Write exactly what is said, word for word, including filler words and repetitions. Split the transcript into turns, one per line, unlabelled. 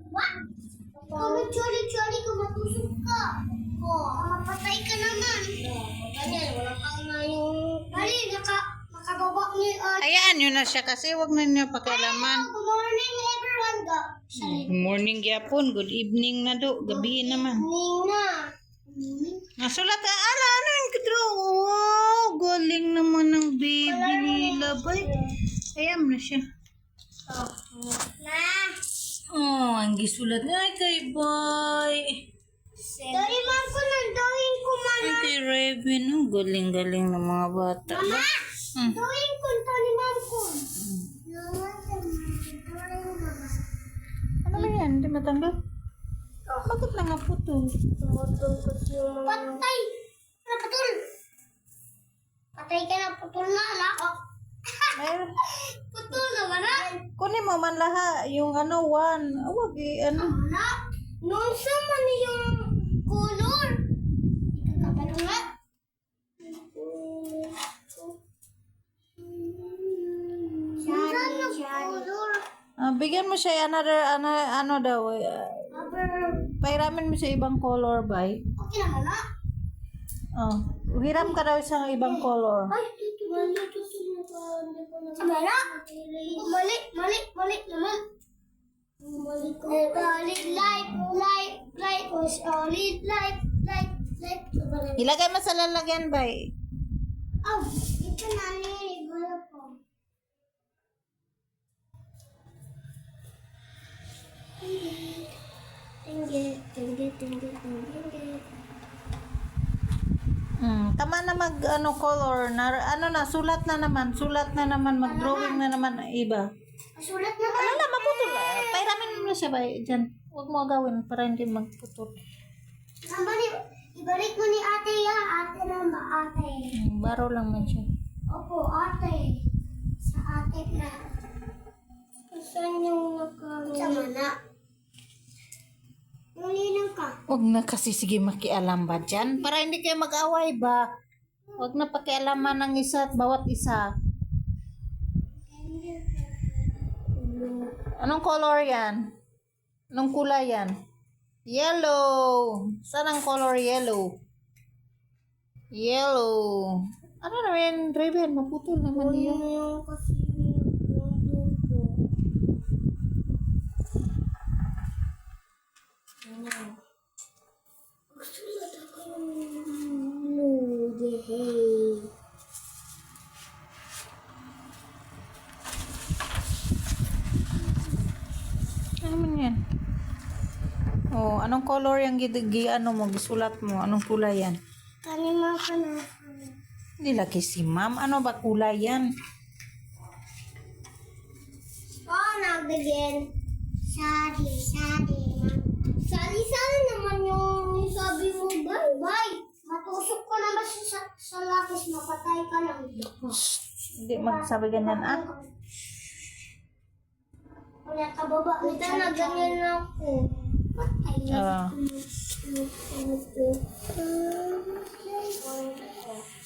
What? Kung nag-chori-chori ka, matusok ka. Oh, mapatay ka naman. Oh, ganyan, wala kang na yung... Dali, naka, nakababa ni... Uh,
Hayaan nyo na siya kasi wag na niyo pakialaman.
Good morning, everyone. Ga.
Good morning gyapon, good evening na do, gabi naman.
Evening na.
Nasulat ka, ala, ano yung kadro? Oh, galing naman ng baby nila, bay. Hayaan na siya.
Oh, na.
Oh, ang gisulat nga kay boy.
Dali, ma'am ko na, dawin ko man.
Ay, kay Raven, oh, galing-galing ng mga bata.
Mama,
Hmm.
dawin ko to ni ma'am ko.
Ano ba yan? Hindi matanggal? Bakit na nga putol?
Patay! Ano putol? Patay ka na, putol na, ala.
Mayroon.
Putol naman na.
Kunin mo man laha, yung ano, one. Ah, wag eh, ano.
Ala, noon sa man yung color. Ikakabalo nga. Saan na color?
Ah, bigyan mo siya another, ano, ano daw, eh, ah, pairamin mo siya ibang color, bay.
Okay naman na.
Oh, hiram ka daw isang ibang color.
Ay, dito na, dito Samara? Mali, mali, mali naman. Mali ko. Mali, light, light, light, solid, light, light, light.
Ilagay mo sa lalagyan, bay.
Oh, ito na ni, wala po. Tinggi, tinggi, tinggi, tinggi.
Hmm, tama na mag ano color na ano na sulat na naman, sulat na naman, mag-drawing na naman ang iba.
Sulat na ba?
Ano na maputol. ah, Pairamin mo na siya bay diyan. Huwag mo gawin para hindi magputol.
Sambali, ibalik mo ni ate ya. Ate na ba, ate?
Hmm, baro lang man siya.
Opo, ate. Sa ate na. Saan yung naka... Sama na. Nulinang ka.
Huwag na kasi sige makialam ba dyan? Para hindi kayo mag-away ba? Huwag na pakialaman ng isa at bawat isa. Anong color yan? Anong kulay yan? Yellow. Saan ang color yellow? Yellow. Ano naman, Raven? Maputol naman yun.
Yung kasi yung dugo. Sulat ako yung lugi.
Ano man yan? Oh, anong color yung gidagi ano mo, gisulat mo? Anong kulay yan?
Kanima ka na.
Hindi laki si ma'am. Ano ba kulay yan?
Oh, nagdagin. Sari, sari. Sari, sari naman yung sabi mo, bye, bye. Matusok ko naman sa, sa lapis, mapatay ka lang.
Hindi magsabi ganyan ah.
Wala ka baba. Ito na, ganyan na ako. Patay na.
Ah.
Ito.